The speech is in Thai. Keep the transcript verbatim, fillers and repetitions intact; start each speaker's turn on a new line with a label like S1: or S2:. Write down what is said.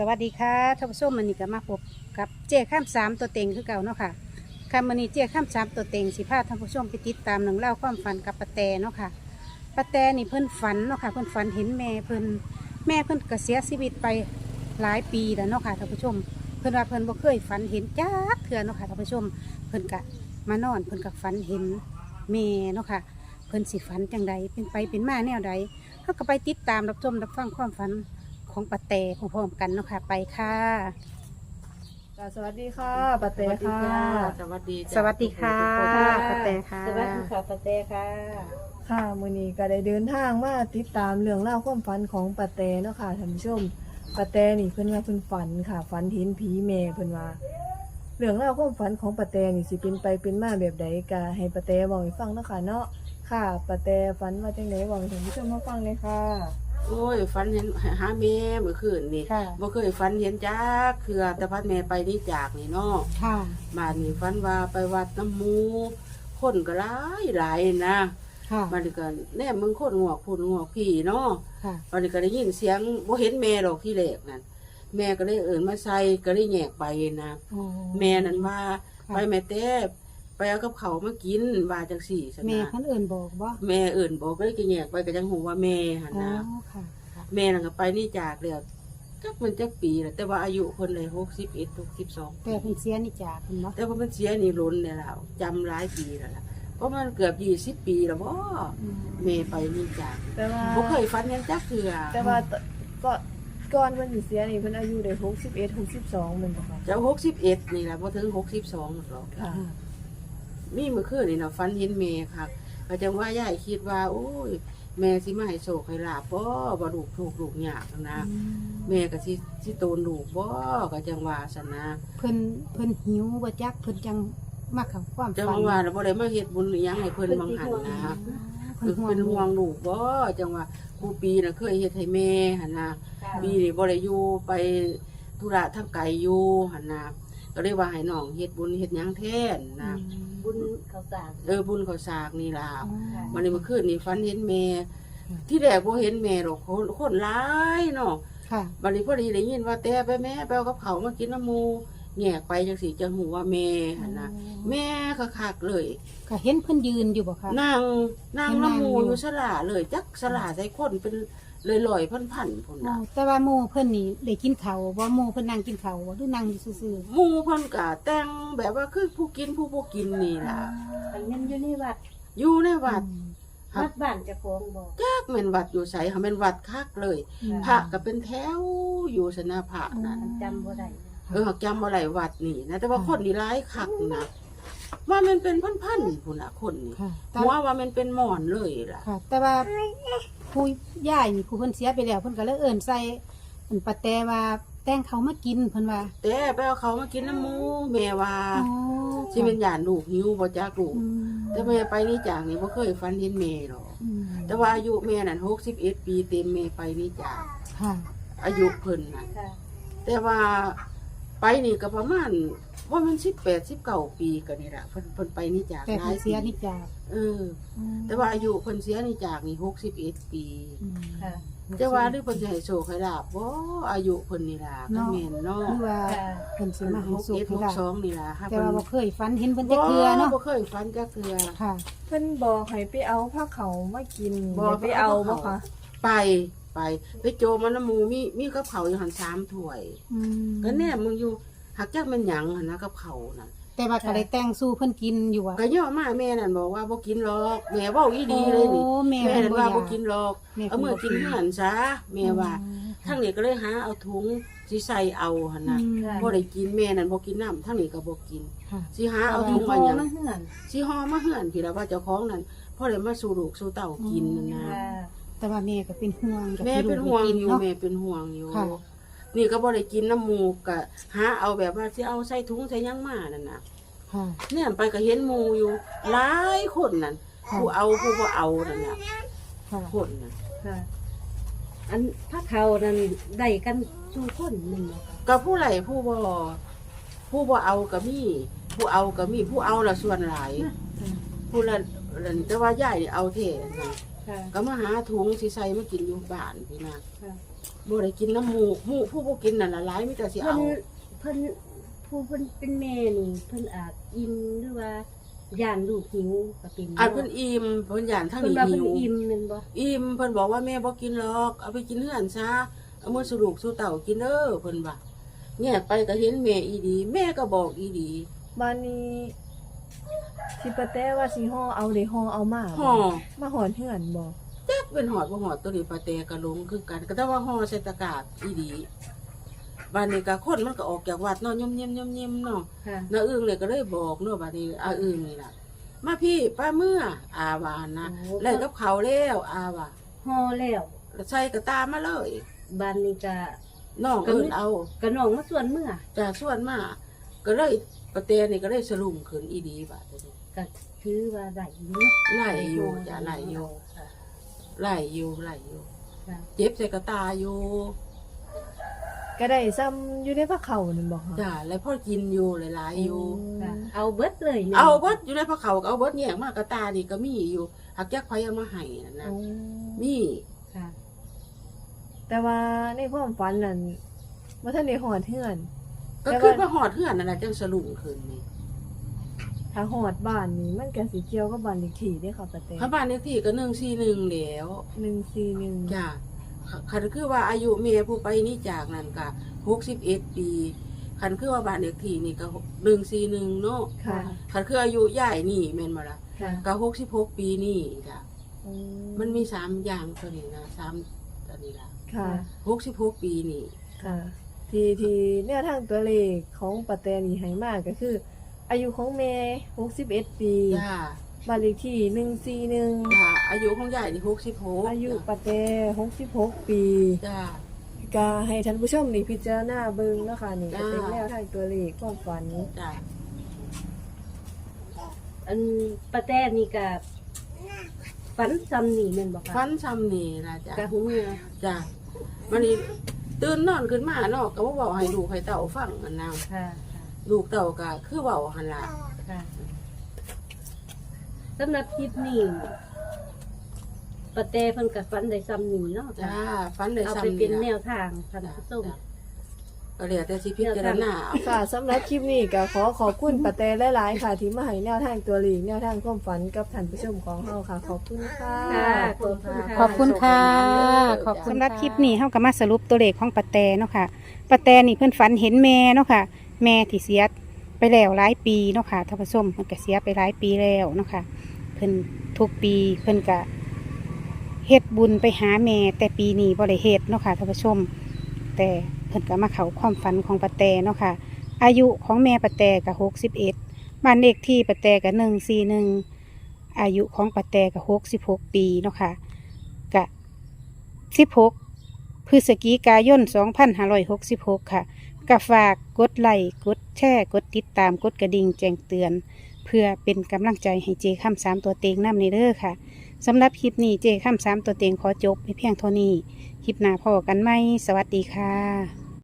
S1: วัสดีค่ะท่านผู้ชมมันนี่ก็มาพบกับเจ้ข้ามสามตัวเต็งคือเก่าเนาะค่ะค่ะมันนี่เจ้ข้ามสามตัวเต็งสิพาท่านผู้ชมไปติดตามหนังเล่าความฝันกับปะแตเนาะค่ะปะแตนี่เพิ่นฝันเนาะค่ะเพิ่นฝันเห็นแม่เพิ่นแม่เพิ่นก็เสียชีวิตไปหลายปีแล้วเนาะค่ะท่านผู้ชมเพิ่นว่าเพิ่นบ่เคยฝันเห็นจักเทื่อเนาะค่ะท่านผู้ชมเพิ่นก็มานอนเพิ่นก็ฝันเห็นแม่เนาะค่ะเพิ่นสิฝันจังใดเป็นไปเป็นมาแนวใดเฮาก็ไปติดตามรับชมรับฟังความฝันของปะแตพร้อมๆกันเนาะค่ะไปค่ะ
S2: สวัสดีค่ะปะเต้ค่ะ
S3: สวัสดี
S1: สวัสดีค่ะปะแตค่ะ
S4: สวัสดีค่ะปะเต้ค่ะ
S2: ค่ะมื้อนี้ก็ได้เดินทางมาติดตามเรื่องเล่าวความฝันของปะเต้เนาะค่ะท่านผู้ชมปะเต้นี่เพิ่นว่าเพิ่นฝันค่ะฝันเห็นผีแม่เพิ่นว่าเรื่องเล่าวความฝันของปะเต้นี่สิเป็นไปเป็นมาแบบใดก็ให้ปะเต้เว้าให้ฟังเนาะค่ะเนาะค่ะปะเต้ฝันว่าจังได๋เว้าให้ท่านผู้ชมมาฟังเลยค่ะ
S3: โอ้ยฝันเห็นหาแม่เมื่อคืนนี่
S1: ค่ะ
S3: บ่เคยฝันเห็นจักคือแต่พัดแม่ไปนี่จากนี่เนาะ
S1: ค่ะ
S3: บ้านนี่ฝันว่าไปวัดน้ำหมูคนก็หลายหลายนะ
S1: ค่ะ
S3: บ้านนี้ก็แน่มึงคนงอกพูนงอกพี่เนาะ
S1: ค่ะ
S3: บ้านนี้ก็ได้ยินเสียงบ่เห็นแม่ดอกที่แรกนั่นแม่ก็เลยเอิ้นมาใส่ก็เลยแยกไปนะ
S1: โอ้
S3: แม่นั่นว่า
S1: ค่ะ
S3: ไปแม่แต้ไปเอากับเขาวมากินว่าจังสี่ซะ
S1: แม่
S3: นะ
S1: เพิ่นเอิ่นบอกบ่
S3: แม่เอิ้นบอกก็เลยก็แยกไปก็จังหูว่าแม่หั่น
S1: อ๋อ
S3: นะ
S1: ค่ะค่ะ
S3: แม่น่ะก็ไปนี่จากแล้วจักมันจักปีแล้วแต่ว่าอายุคนเลยหกสิบเอ็ดหกสิบสอง
S1: แต่เพิ่นเสียนี่จากเพิ่นบ่
S3: แต่ว่ามันเสียนี่ล้นเนี่ยแล้วจำหลายปีแล้วล่ะเพราะมันเกือบยี่สิบปีแล้วบ่
S1: อืม
S3: แม่ไปนี่จาก
S2: แต่ว่า
S3: บ่เคยฝันหยังจักเทื่อ
S2: แต่ว่าก็ก่อนเพิ่นสิเสียนี่เพิ่นอายุได้หกสิบเอ็ด หกสิบสองแม่นบ่คะ
S3: จะหกสิบเอ็ดนี่ล่ะบ่ถึงหกสิบสองหรอก
S2: ค่ะ
S1: ค่ะ
S3: มีเมื่อคืนนี่น่ะฝันเห็นแม่ค่ะก็จังว่ายายคิดว่าโอ้ยแม่สิมาให้โชคให้ลาบบ่บ่ลูกทุกข์ลูกยากนะแม่ก็สิสิโตนลูกบ่ก็จังว่าซั่นนะ
S1: เพิ่นเพิ่นหิวบ่จักเพิ่นจังมาเข้าความ
S3: จัง
S1: ฝัน
S3: ว่าแล้วบ่ได้มาเฮ็ดบุญอิหยังให้เพิ่นบางหันนะ
S1: เพิ่
S3: คื
S1: น
S3: อ
S1: ห่วง
S3: เป็นห่วงลูกบ่จังว่าครูปีน่ะเคยเฮ็ดให้แม่หั่นน่ะปีนี้บ่ได้อยู่ไปธุระทางไกลอยู่หั่นน่ะก็เลยว่าให้น้องเฮ็ดบุญเฮ็ดหยังแทนนะ
S4: บุญเขาวสาร
S3: เออบุญข้าวสากนี่ล่ะ
S1: อ๋อ
S3: วันนี้เมื่อคืนนี่ฝันเห็นแม่
S1: อืม
S3: ที่แรกบ่เห็นแม่หรอกคนคนหลายเนาะ
S1: ค่ะ
S3: บัดนี้พอดีได้ยินว่าแต่ไปแม่ไปเอากับเขาวมากินน้ำหมูแยกไปจังสิจังหูว่าแม่หั่นน่ะแม่คักๆเลย
S1: ก็เห็นเพิ่นยืนอยู่บ่คะ
S3: นางนาง
S1: เห็นนาง
S3: น้ำหมู
S1: อยู่
S3: อยู่สลาเลยจักสลาใส่คนเป็นเลยลอยๆพันๆพุ่น
S1: อ๋อ
S3: น่ะ
S1: แต่ว่าหมู่เพิ่นนี่ได้กินข้าวบ่หมู่เพิ่นนั่งกินข้าวบ่หรือนั่งอยู่ซื่อ
S3: หมูเพิ่นก็แต่งแบบว่าคือผู้กินผู้บ่กินนี่ล่ะ
S4: อันนั้นอยู่ในวัด
S3: อยู่ใน
S1: ๆ
S3: วัด
S4: วัดบ้านเจะโค้าของบอก
S3: จักแม่นวัดอยู่ไสค่ะแม่นวัดคักเลย
S1: อืม
S3: พระก็เป็นแถวอยู่สนาพระนั่น
S4: มันจำบ่ได้
S3: เออจำบ่ได้วัดนี่นะแต่ว่าคนนี่หลายคักนะว่ามันเป็นพันๆพุ่นน่ะคนนี่
S1: ค่ะแต่
S3: หัวว่ามันเป็นหมอนเลยล่ะ
S1: ค่ะ แต่ว่าผู้ย่ายนี่ผู้เพิ่นเสียไปแล้วเพิ่นก็เลยเอิ้นใส่อันปะแตว่าแต่งเขามากินเพิ่นว่า
S3: แต่ไปเอาเขามากินน้ำหมูแม่ว่า
S1: อ๋อ
S3: สิเป็นหยานลูกหิวบ่จักลูก
S1: อืม
S3: แต่แม่ไปนี่จากนี่บ่เคยฝันเห็นแม่หรอก
S1: อืม
S3: แต่ว่าอายุแม่นั่นหกสิบเอ็ดปีเต็มแม่ไปนี่จาก
S1: ค่ะ
S3: อายุเพิ่นน่ะ
S4: ค่ะ
S3: แต่ว่าไปนี่ก็ประมาณว่ามันสิบแปด สิบเก้าปีก็นี่ล่ะเพิ่นเพิ่นไปนี่จาก
S1: แต่
S3: หลา
S1: เพิ่
S3: ย
S1: น
S3: ปี
S1: เสียนี่จาก
S3: เออ แต่ว่าอายุเพิ่นเสียนี่จากนี่หกสิบเอ็ดปี
S1: อืม
S4: ค่ะ
S3: แต่ว่าหรือเพิ่นสิให้โชคให้ลาบบ่อายุเพิ่นนี่ล่ะก็แม่นเนาะ
S1: หรือว่า
S4: ค่ะ
S1: เพิ่นสิ
S3: เพิ่น
S1: มาให้
S3: หก
S1: สุข
S3: เอ็ด
S1: ให้
S3: หก
S1: ได้
S3: สองนี่ล่ะค่ะ
S1: แต่
S3: เพิ่น
S1: ว่าบ่เคยฝันเห็นเพิ่นจักเทื่อเนาะ
S3: บ่เคยฝันจักเทื่อ
S1: ค่ะ
S2: เพิ่นบอกให้ไปเอาผ้าเขาวมากิน
S3: บอก
S2: ได้ไปเอาบ่คะ
S3: ไปไปไปโจมมันน้ำหมูมีมีกับเขาวอยู่หันสามถ้วย
S1: อืม
S3: ก็แน่มึงอยู่หักจักแม่นหยังหั่นนะกับเขาวน่ะ
S1: แต่ว่าก็ได้แต่งสู้เพิ่นกินอยู่อ่ะ
S3: ก็ย่อมาแม่นั่นบอกว่าบ่กินหรอกแม่เว้าอีดีเลยนี่
S1: โอ้แม่
S3: แม่
S1: เพิ่น
S3: นั่น
S1: บ่
S3: ว่า
S1: อยา
S3: บ่
S1: ก
S3: กินหรอก
S1: แม่
S3: เอา
S1: เพิ่น
S3: มือ
S1: บ่
S3: กินหันซะแม่ว่า
S1: อืม
S3: ทั้งนี้ก็เลยหาเอาถุงสิใส่เอาหั่นน่ะ
S1: อืม
S3: บ่ได้กินแม่นั่นบ่กินน้ำทั้งนี้ก็บ่กิน
S1: ค่ะ
S3: สิหาเอา
S4: เอา
S3: ถุ
S4: ถุ
S3: ง
S4: ง
S3: มา
S4: มา
S3: หยัง
S4: มาเฮือน
S3: สิห่อมาเฮือนพี่ละว่าเจ้าของนั่นพ่อได้มาสู่ลูกสู่เต้ากินนั่นนะ
S4: ค่ะ
S1: แต่ว่าแม่ก็เป็นห่วงกับ
S3: แม่
S1: ที่
S3: เป็น
S1: ลูก
S3: ห่วง
S1: ได้กิน
S3: อยู่
S1: เนาะ
S3: แม่เป็นห่วงอยู่
S1: ค่ะ
S3: นี่ก็บ่ได้กินน้ำหมูกก็หาเอาแบบว่าสิเอาใส่ถุงใส่หยังมานั่นน่ะ
S1: ค่ะ
S3: เนี่ยไปก็เห็นหมู่อยู่หลายคนนั่น
S1: ค่ะ
S3: ผู้เอาผู้บ่เอานั่นน่ะ
S1: ค่ะ
S3: คนน่ะ
S4: ค่ะ อันถ้าเขานั้นได้กันชูคนหนึ่งบ่ค่ะ
S3: ก็ผู้ไหลผู้บ่ผู้บ่เอาก็มีผู้เอาก็มีผู้เอาละส่วนหลาย ผู้ละแต่ว่ายายนี่เอาเท่นะ
S4: ค่ะ
S3: ก็มาหาถุงสิใส่มากินอยู่บ้านพี่นะ
S4: ค่ะ
S3: บ่ได้กินน้ำหมูหมูผู้บ่กินนั่นล่ะหลายมีแต่สิ
S4: เพิ่น
S3: เอา
S4: เพิ่นผู้เพิ่นเป็นแม่นี่เพิ่นอาจอิ่มหรือว่าย่านลูกหิวก็เป็น
S3: อันเพิ่นอิ่มเพิ่นย่านทาง
S4: เพิ่น
S3: นี้
S4: ว่า
S3: หิ
S4: เพิ่น
S3: ว
S4: อิ่มแม่นบ่
S3: อิ่มเพิ่นบอกว่าแม่บ่กินหรอกเอาไปกินเฮือนซะเอามือสลูกสู่เต่ากินเด้อเพิ่นว่าแยกไปก็เห็นแม่อีดี แม่ก็บอกอีดี
S2: บ้านนี้ที่ปะแต้ว่าสิห่อเอาได้ห่อเอามาบ่
S3: ห่อ
S2: มาหอนเฮือนบ่
S3: จักเป็นหอดบ่หอดตัวนี้ปลาแตกะลงคือกันก็แต่ว่าห่อใส่ตะกร้าอีดีบ้านนี้ก็คนมันก็ออกจากวัดเนาะย่อมๆๆๆเนาะ
S4: ค่ะ
S3: น้าอึ้งเลยก็เลยบอกเนาะบัดนี้อาอึ้งนี่ล่ะมาพี่ป้าเมื่ออาว่านะ
S4: โอ้
S3: แล้วกับเขาวแล้วอาว่า
S4: ห่อแล้ว
S3: แล้วใส่กระตามาเลย
S4: บ้านนี้ก็
S3: น้องเอิ้นเอา
S4: ก็น้องมาส่วนเมื่อ
S3: จ่าส่วนมาก็เลยปะเตนี่ก็เลยสลุมขึ้นอีดีบาดนี้
S4: ก็ถือว่าได้อยู่เนาะ
S3: ไล่อยู่จ้ะไล่อยู่
S4: ค่ะ
S3: ไล่อยู่ไล่อยู่
S4: ค่ะ
S3: เจ็บใส่กระตาอยู่
S2: ก็ได้ซ้ำอยู่ในพระเขานั่นบ่ค่ะ
S3: จ้าแล้วพ่อกินอยู่หลายๆอยู่
S4: ค่ะเอาเบิดเลยนี่ย
S3: เอาเบิดอยู่ในพระเขาก็เอาเบิดแยกมากระตานี่ก็มีอยู่หักยักไผเอามาให้นั่นนะ
S2: โอ้
S3: มี
S4: ค่ะ
S2: แต่ว่าในความฝันนั่นบ่ทันได้หอดเฮือน
S3: ก็
S2: แต่ว่า
S3: คือว่าหอดเฮือนนั่นน่ะจังสลุมขึ้นนี่
S2: ถ้าหอดบ้านนี่มันก็สิเกี่ยวกับบ้านเลขที่เด้ค่ะปะแต้
S3: พระบ้านเลขที่ก็หนึ่งสี่หนึ่งแล้ว
S2: หนึ่งสี่หนึ่ง
S3: จ้าคันคือว่าอายุเมียผู้ไปนี่จากนั่นก็หกสิบเอ็ดปีคันคือว่าบ้านเลขที่นี่ก็หนึ่งสี่หนึ่งเนาะ
S2: ค่ะ
S3: คันคืออายุยายนี่แม่นบ่ล่ะ
S4: ค่ะ
S3: ก็หกสิบหกปีนี่จ้ะ
S2: อื
S3: มันมีสามอย่างตัวนี้นะสามตัวนี้ล่ะ
S2: ค่ะ
S3: หกสิบหกปีนี่
S2: ค่ะ ที่ที่แนวทางตัวเลขของปะแตนี่ให้มาก็คือ อายุของแม่หกสิบเอ็ดปี
S3: จ้า
S2: บ้านเลขที่หนึ่งสี่หนึ่ง
S3: จ้าอายุของยายนี่หกสิบหก
S2: อายุปะแตหกสิบหกปี
S3: จ้า
S2: ก็ให้ท่านผู้ชมนี่พิจารณาเบิ่งเนาะค่ะนี่ก็เป็น
S3: จ้า
S2: แนวทางตัวเลขความฝัน
S3: จ้า
S4: อันป้าแต้นี่ก็ฝันซ้ำนี่แม่นบ่คะ
S3: ฟันซ้ำนี่ล่ะจ้ะ
S4: กะหูเมื่อ
S3: จ้ามันนี่ตื่นนอนขึ้นมาเนาะก็บ่บอกให้ลูกให้เต่าฟังอันนั้น
S4: ค่ะค่ะ
S3: ลูกเต่าก็คือเว้าหั่นล่ะ
S4: ค่ะสำหรับคลิปนี้ป้าแต้เพิ่นก็ฝันได้ซ้ำนี่เนาะ
S3: จ้า
S4: ค่ะ
S3: ฟันได้
S4: เอา
S3: ซ้ำ
S4: ไป
S3: นี่
S4: เป็นแน
S3: ล่ะ
S4: วทางท่านผู้ชม
S3: จ้ะก็เหลือแต่สิพิจารณาเอา
S2: ค่ะสำหรับคลิปนี้ก็ขอขอบคุณปะแตหลายๆค่ะ ที่มาให้แนวทางตัวเลขแนวทางความฝันกับท่านผู้ชมของเฮาค่ะ ขอบคุณค่ะ
S4: ค่ะขอบคุณค่ะ
S1: ขอบคุณค่ะขอบคุณสำหรับคลิปนี้เฮาก็มาสรุปตัวเลขของปะแตเนาะค่ะปะแตนี่เพิ่นฝันเห็นแม่เนาะค่ะ แม่ที่เสียไปแล้วหลายปีเนาะค่ะท่านผู้ชมเพิ่นก็เสียไปหลายปีแล้วเนาะค่ะเพิ่นทุกปีเพิ่นก็เฮ็ดบุญไปหาแม่แต่ปีนี้บ่ได้เฮ็ดเนาะค่ะท่านผู้ชม แต่เพิ่นก็มาเข้าความฝันของปะแตเนาะค่ะ อายุของแม่ปะแตก็หกสิบเอ็ดบ้านเลขที่ปะแตก็หนึ่งสี่หนึ่งอายุของปะแตก็หกสิบหกปีเนาะค่ะกะสิบหกพฤศจิกายนสองพันห้าร้อยหกสิบหกค่ะก็ฝากกดไลค์กดแชร์กดติดตามกดกระดิ่งแจ้งเตือน เพื่อเป็นกำลังใจให้เจข้ามสามตัวเต็งนำในเด้อค่ะสำหรับคลิปนี้เจข้ามสามตัวเต็งขอจบไปเพียงเท่านี้คลิปหน้าพอกันไหมสวัสดีค่ะ